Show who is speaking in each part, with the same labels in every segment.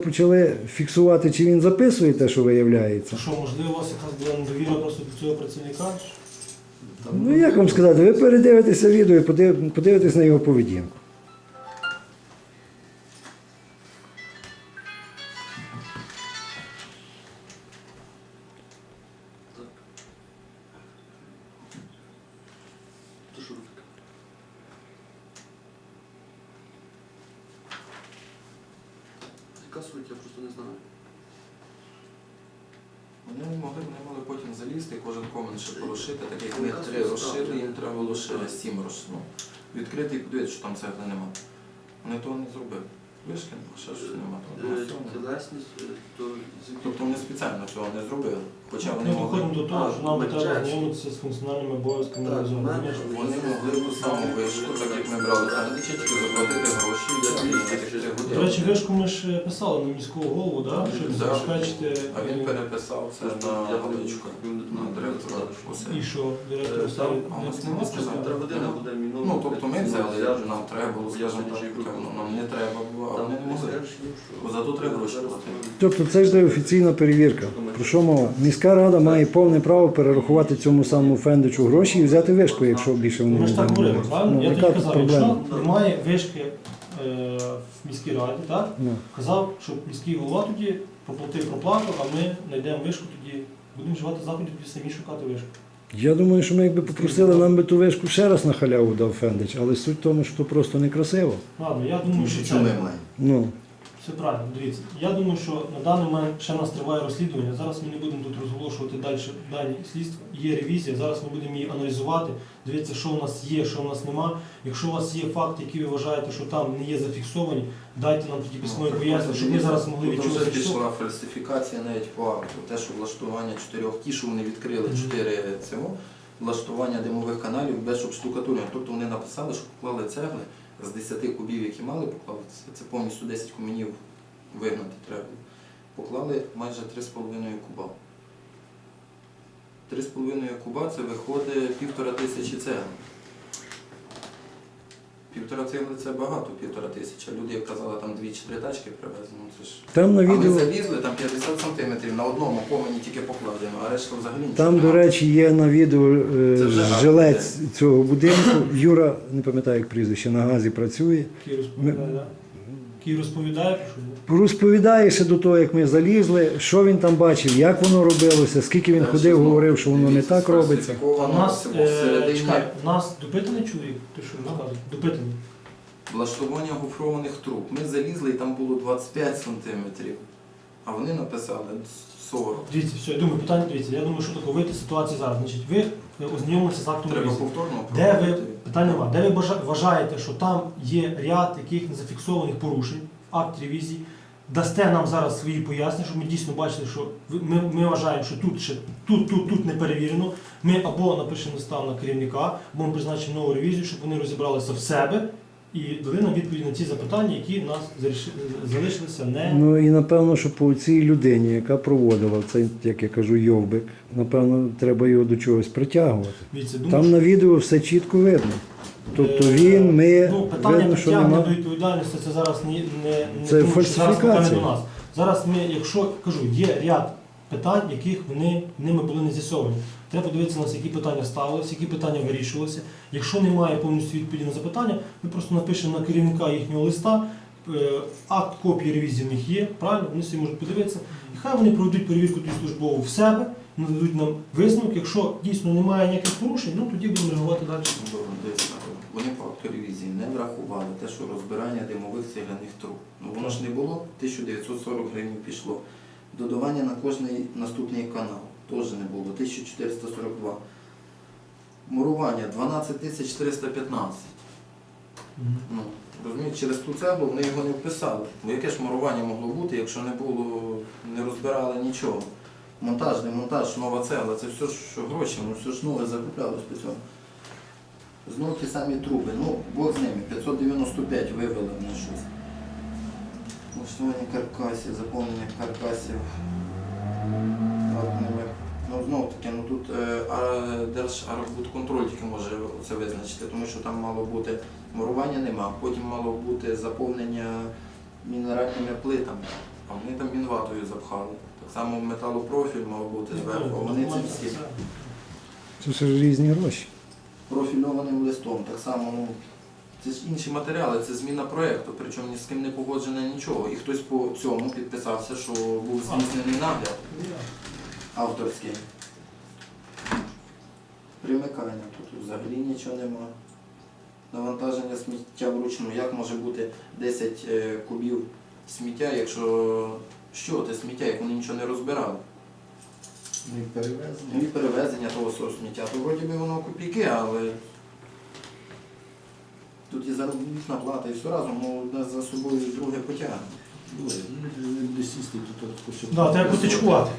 Speaker 1: Почали фіксувати, чи він записує те, що виявляється.
Speaker 2: Що, можливо, у вас якась була недовіра просто до цього працівника?
Speaker 1: Ну, як вам сказати, ви передивитеся відео і подивитесь на його поведінку.
Speaker 3: Яка суть, я просто не знаю. Вони мали потім залізти, кожен комент ще порушити, так як ми 3 розширили, їм треба було ще 7 розширити. Відкрити і подивитися, що там цегли нема. Вони того не зробили. Вишки нема, ще щось нема.
Speaker 4: Тілесність, то...
Speaker 3: Тобто вони спеціально цього не зробили. Хоча вони
Speaker 2: Ми
Speaker 3: могли...
Speaker 2: доходимо до того, що нам треба знайомитися з функціональними обов'язками реалізованими.
Speaker 3: Вони могли ту саму вишку, так як ми брали Фендича, тільки заплатити гроші і взяти її на тих 3 години.
Speaker 2: До речі, вишку ми ж писали на міського голову, да? Щоб забезпечити...
Speaker 3: А він переписав це на Галичку, на директора усе.
Speaker 2: І що, директор ставить?
Speaker 3: А у нас нема сказати. Ну, тобто ми взяли, нам треба було, скажімо так, нам не треба було, а вони не могли. Бо зато треба гроші платити.
Speaker 1: Тобто це ж офіційна перевірка. Про що мова? Міська рада має повне право перерахувати цьому самому Фендичу гроші і взяти вишку, якщо більше вони
Speaker 2: Ми ж так говорили, правильно?
Speaker 1: Ну,
Speaker 2: Я
Speaker 1: яка
Speaker 2: тоді
Speaker 1: тут
Speaker 2: казав,
Speaker 1: проблема?
Speaker 2: якщо немає вишки в міській раді, так?
Speaker 1: Ну.
Speaker 2: Казав, що міський голова тоді проплатив проплату, а ми знайдемо вишку тоді, будемо вживати заходів, тоді самі шукати вишку.
Speaker 1: Я думаю, що ми якби попросили, нам би ту вишку ще раз на халяву дав Фендич, але суть в тому, що то просто некрасиво.
Speaker 2: Ладно, я думаю, що це...
Speaker 1: Ну.
Speaker 2: Все правильно, дивіться. Я думаю, що на даний момент ще в нас триває розслідування. Зараз ми не будемо тут розголошувати дані слідства. Є ревізія, зараз ми будемо її аналізувати, дивитися, що в нас є, що в нас нема. Якщо у вас є факти, які ви вважаєте, що там не є зафіксовані, дайте нам тоді письмові пояснення, щоб ми зараз могли
Speaker 3: Тут
Speaker 2: відчути.
Speaker 3: вже пішла фальсифікація навіть по акту. Те, що влаштування 4, ті, що вони відкрили 4 цього, влаштування димових каналів без штукатурення. Тобто вони написали, що поклали цегли з 10 кубів, які мали поклали, це повністю 10 кумінів вигнати треба. Поклали майже 3,5 куба. 3,5 куба це виходить 1500 цегли. 1,5 цегли це багато, 1500. Люди, як казали, там 2-3 тачки привезли. Ну, це ж...
Speaker 1: Там на
Speaker 3: А ми
Speaker 1: відео,
Speaker 3: залізли, там 50 см на одному комені тільки покладено, а решта взагалі нічого.
Speaker 1: там, до
Speaker 3: немає.
Speaker 1: речі, є на відео
Speaker 3: Це вже
Speaker 1: жилець цього будинку. Юра, не пам'ятаю, як прізвище, на газі працює.
Speaker 2: Який розповідає, про що?
Speaker 1: Розповідає ще до того, як ми залізли, що він там бачив, як воно робилося, скільки він ходив, говорив, що воно не так робиться.
Speaker 2: У нас, чекай, у нас допитаний чоловік, ти що розказуєш? Допитаний.
Speaker 3: Влаштування гофрованих труб. Ми залізли і там було 25 см, а вони написали 40.
Speaker 2: Дивіться, все, я думаю, питання, дивіться, я думаю, що таке вийти з ситуації зараз. Значить, ви ознайомилися з актом
Speaker 3: Треба
Speaker 2: ревізії.
Speaker 3: повторно
Speaker 2: Де ви,
Speaker 3: проводити.
Speaker 2: питання нема, де ви вважаєте, що там є ряд яких незафіксованих порушень в акті ревізії, дасте нам зараз свої пояснення, щоб ми дійсно бачили, що ми вважаємо, що тут не перевірено. Ми або напишемо листа на керівника, або ми призначимо нову ревізію, щоб вони розібралися в себе і дали нам відповідь на ті запитання, які в нас залишилися не...
Speaker 1: Ну і напевно, що по цій людині, яка проводила цей, як я кажу, йовбик, напевно, треба його до чогось притягувати.
Speaker 2: Дивіться, думаю,
Speaker 1: Там на відео все чітко видно. Тобто він, ми,
Speaker 2: ну, питання
Speaker 1: видно, що
Speaker 2: притягнення
Speaker 1: нема.
Speaker 2: до відповідальності це зараз не
Speaker 1: Це
Speaker 2: тому, що зараз
Speaker 1: фальсифікація.
Speaker 2: питання до нас. Зараз ми, якщо кажу, є ряд питань, яких ними були не з'ясовані. Треба подивитися на нас, які питання ставилися, які питання вирішувалися. Якщо немає повністю відповіді на запитання, ми просто напишемо на керівника їхнього листа, акт копії ревізії в них є, правильно, вони собі можуть подивитися. І хай вони проведуть перевірку тоді службову в себе, нададуть нам висновок. Якщо дійсно немає ніяких порушень, ну тоді будемо реагувати далі.
Speaker 3: Вони по акту ревізії не врахували те, що розбирання димових цегляних труб. Ну воно ж не було, 1940 гривень пішло. Додавання на кожний наступний канал теж не було, 1442. Мурування 12415. Ну, розумієте, через ту цеглу вони його не вписали. Бо яке ж мурування могло бути, якщо не розбирали нічого. Монтаж, демонтаж, нова цегла, це все, що гроші, ну все ж нове закуплялось по цьому. Знову ті самі труби, ну Бог з ними, 595 вивели вони щось. Влаштування каркасів, заповнення каркасів. Ну знову таки, ну тут Держархбудконтроль тільки може це визначити, тому що там мало бути мурування нема, потім мало бути заповнення мінеральними плитами. а вони там мінватою запхали. Так само металопрофіль мав бути зверху, а вони це всі
Speaker 1: Це ж різні гроші.
Speaker 3: профільованим листом. Так само, ну, це ж інші матеріали, це зміна проєкту, причому ні з ким не погоджено нічого. І хтось по цьому підписався, що був здійснений нагляд авторський. Примикання, тут взагалі нічого нема. Навантаження сміття вручну. Як може бути 10 кубів сміття, якщо що це сміття, як вони нічого не розбирали? Ну і перевезення того свого сміття. То вроді би воно копійки, але тут і заробітна плата, і все разом, ну одне за собою друге потягне.
Speaker 2: Да, треба потичкувати.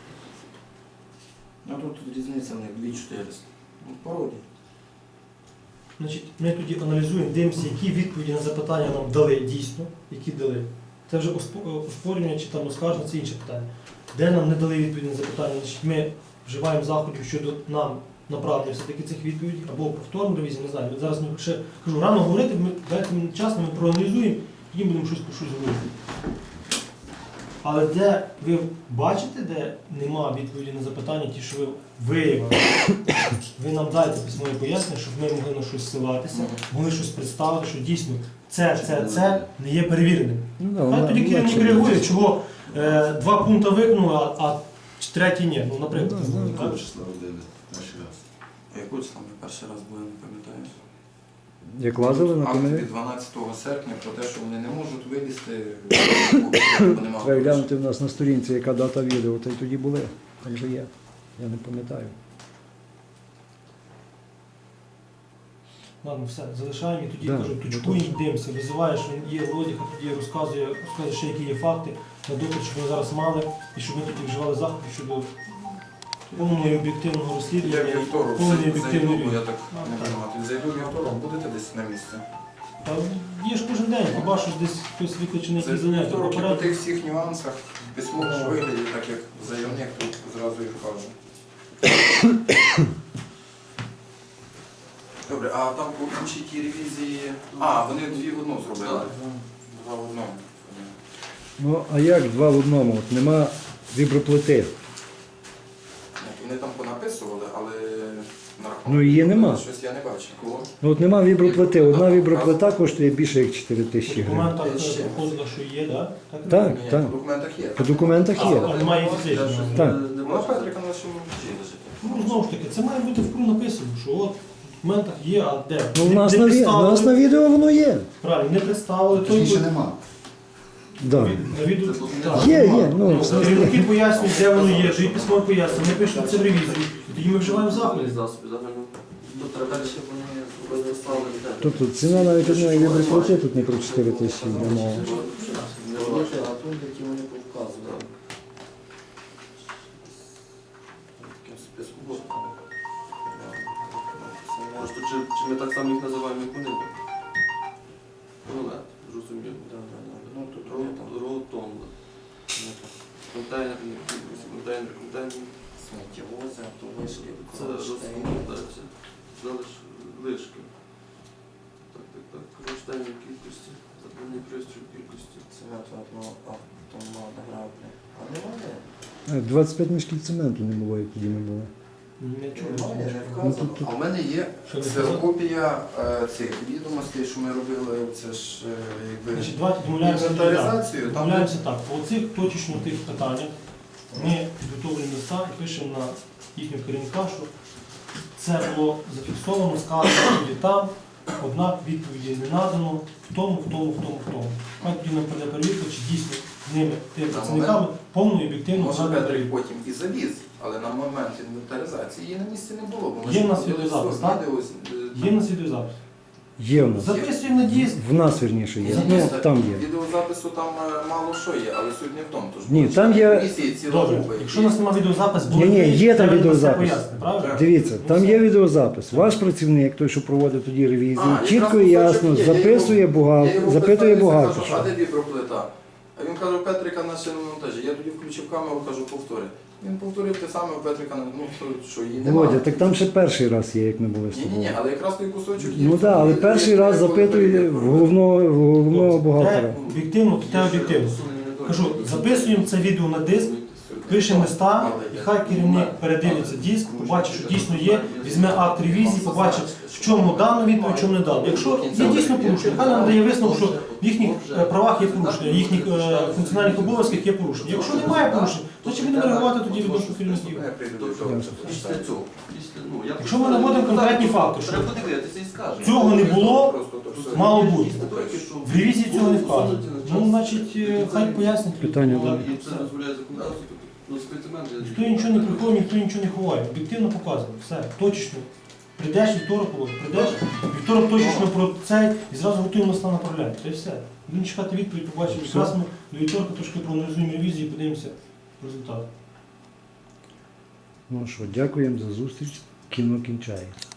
Speaker 3: А тут різниця в них 2400. Ну, в породі.
Speaker 2: Значить, ми тоді аналізуємо, дивимося, які відповіді на запитання нам дали дійсно, які дали. Це вже оспорювання чи там оскарження, це інше питання. Де нам не дали відповіді на запитання, значить, ми вживаємо заходів щодо нам направлення все-таки цих відповідей, або повторну ревізію, не знаю. Зараз ми ще кажу, рано говорити, дайте мені час, ми проаналізуємо, тоді будемо щось говорити. Але де ви бачите, де нема відповіді на запитання, ті, що ви виявили, ви нам дайте письмове пояснення, щоб ми могли на щось ссилатися, могли щось представити, що дійсно це не є перевіреним. Хай тоді керівник реагує, чого 2 пункти виконали, а 3 ні. Ну, наприклад. Так?
Speaker 5: Числа родини перший раз.
Speaker 3: А яку числа ми перший раз були, не пам'ятаю.
Speaker 1: Як лазили на
Speaker 3: Акт
Speaker 1: комері?
Speaker 3: від 12 серпня про те, що вони не можуть вилізти, бо нема
Speaker 1: Треба глянути в нас на сторінці, яка дата відео, та й тоді були. Так же є. Я не пам'ятаю.
Speaker 2: Ладно, все, залишаємо і тоді
Speaker 1: Да,
Speaker 2: кажу, точкуємо, дивимося, визиваєш, він є Володіха, тоді розказує ще які є факти, на доклад, щоб вони зараз мали, і щоб ми тоді вживали заходи щодо повного і об'єктивного
Speaker 3: Я
Speaker 2: розслідування,
Speaker 3: вівторок
Speaker 2: повної
Speaker 3: зайду,
Speaker 2: об'єктивної
Speaker 3: бо я так
Speaker 2: А,
Speaker 3: не
Speaker 2: так.
Speaker 3: приймати. Зайду вівторок, будете десь на місці?
Speaker 2: Та є ж кожен день, побачиш десь хтось викличений якісь
Speaker 3: Зайду
Speaker 2: заняття,
Speaker 3: вівторок і по
Speaker 2: попередньо.
Speaker 3: тих всіх нюансах, в письмовому вигляді, так як заявник, тут зразу і вкажу. Добре, а там по іншій тій ревізії... А, вони 2 в 1 зробили. 2 в 1.
Speaker 1: Ну, а як 2 в 1? От нема віброплити.
Speaker 3: Вони там понаписували, але на рахунок
Speaker 1: Ну, її нема.
Speaker 3: щось я не бачив. Кого?
Speaker 1: Ну от нема віброплити. Одна віброплита коштує більше як 4
Speaker 2: По
Speaker 1: тисячі гривень.
Speaker 2: документах
Speaker 3: Ще.
Speaker 2: проходило, що є, да?
Speaker 1: Так,
Speaker 3: Ні,
Speaker 1: так.
Speaker 3: по документах є.
Speaker 1: По документах
Speaker 2: А,
Speaker 1: є.
Speaker 2: а немає фізично.
Speaker 1: Так.
Speaker 3: Вона Петрика на нашому вчі лежить.
Speaker 2: Ну, знову ж таки, це має бути в КРУ написано, що от в документах є, а де?
Speaker 1: Ну, у
Speaker 2: Не-
Speaker 1: нас
Speaker 2: не
Speaker 1: на
Speaker 2: представили.
Speaker 1: відео воно є.
Speaker 2: Правильно, не представили.
Speaker 5: Точніше нема.
Speaker 1: Да.
Speaker 2: На відео, так,
Speaker 1: Є,
Speaker 2: нема.
Speaker 1: є, ну,
Speaker 2: Керівники пояснюють, де воно є, то і письмо пояснює, вони пишуть це в ревізію, і тоді ми вживаємо заходи.
Speaker 4: засоби, загально. Тобто далі вони розставили де.
Speaker 1: Тобто ціна навіть одної віброплити тут не про 4 тисячі йде мова.
Speaker 3: А тут, які вони повказували. Таким списку.
Speaker 4: Може, то чи ми так само їх називаємо, як вони? Рулет, зрозуміло.
Speaker 3: Ну, тут
Speaker 4: Ротонда. Контейнер, контейнер.
Speaker 3: сміттєвози, автовишки,
Speaker 4: Це розкладається. Залиш лишки. Так. Кронштейн в кількості. Запальний пристрій в кількості.
Speaker 3: цементу автомат граблі. А немає?
Speaker 1: 25 мішків цементу не було, як тоді не було.
Speaker 3: Немає, не
Speaker 1: Ну,
Speaker 3: вказано.
Speaker 1: тут-
Speaker 3: А в мене є
Speaker 2: Що не
Speaker 3: ксерокопія цих відомостей, що ми робили, це ж якби
Speaker 2: Значить, давайте домовляємося.
Speaker 3: інвентаризацію. Там
Speaker 2: Домовляємося так, по цих точечно тих питаннях ми підготовлюємо листа і пишемо на їхнього керівника, що це було зафіксовано, сказано тоді там, однак відповіді не надано в тому. Хай тоді нам прийде перевірка, чи дійсно ними, тими працівниками, повно і об'єктивно
Speaker 3: може
Speaker 2: надано
Speaker 3: Петрик
Speaker 2: перевірку.
Speaker 3: потім і заліз, але на момент інвентаризації її на місці не було. Бо ми
Speaker 2: Є
Speaker 3: ж
Speaker 2: в нас
Speaker 3: ходили
Speaker 2: відеозапис,
Speaker 3: з
Speaker 2: так?
Speaker 3: відео,
Speaker 2: Є в нас відеозапис.
Speaker 1: Є в нас.
Speaker 2: Записуємо на диск.
Speaker 1: В нас, вірніше, є. Ну, там є.
Speaker 3: Відеозапису там мало що є, але суть не в тому. Тож
Speaker 1: Ні, там є-
Speaker 3: комісії ціла
Speaker 2: Добре,
Speaker 3: група,
Speaker 2: якщо у нас немає відеозапис, буде
Speaker 1: Ні, є там
Speaker 2: треба це
Speaker 1: відеозапис.
Speaker 2: пояснити, правильно?
Speaker 1: Дивіться, там є відеозапис. Ваш працівник, той, що проводить тоді ревізію,
Speaker 3: А, якраз
Speaker 1: чітко і ясно
Speaker 3: кусочок є.
Speaker 1: записує
Speaker 3: Я
Speaker 1: бухгалтер,
Speaker 3: його
Speaker 1: запитує
Speaker 3: питаюся,
Speaker 1: бухгалтер.
Speaker 3: кажу, а де віброплита? А він каже, у Петрика на шиномонтажі. Я тоді включив камеру, кажу, повтори. Він повторив те саме, у Петрика, ну що, її немає.
Speaker 1: Володя, так там ще перший раз є, як ми були з
Speaker 3: Ні,
Speaker 1: тобою.
Speaker 3: але якраз той кусочок є.
Speaker 1: Ну так, але перший раз запитує в головного бухгалтера.
Speaker 2: Те об'єктивно, то те об'єктивно.
Speaker 4: Усунення недоліків.
Speaker 2: кажу, записуємо це відео на диск, пишемо листа, і хай керівник передивиться диск, побачить, що дійсно є, візьме акт ревізії, побачить, в чому дано відповідь, в чому не дано. Якщо є дійсно порушення, хай нам дає висновок, що в їхніх правах є порушення, в їхніх функціональних обов'язках є порушення. Якщо немає порушень, то чи будемо реагувати тоді відносно керівників?
Speaker 4: Після цього,
Speaker 2: Якщо ми наводимо конкретні факти, що
Speaker 4: треба подивитися і скажемо.
Speaker 2: цього не було, мало бути.
Speaker 4: Тільки що
Speaker 2: В ревізії цього не вказано. Ну, значить, хай пояснять.
Speaker 1: Питання далі.
Speaker 4: І це дозволяє законодавство. Ну, специмент,
Speaker 2: Ніхто нічого не приховує, ніхто нічого не ховає. Об'єктивно показано. Все, точечно. Прийдеш вівторок, прийдеш, вівторок точечно про цей і зразу готуємо листа направляємо. Це і все. Будемо чекати відповідь, побачимо. Якраз ми до вівторка трошки проаналізуємо ревізію і подивимося результати.
Speaker 1: Ну що, дякуємо за зустріч. Кіно кінчається.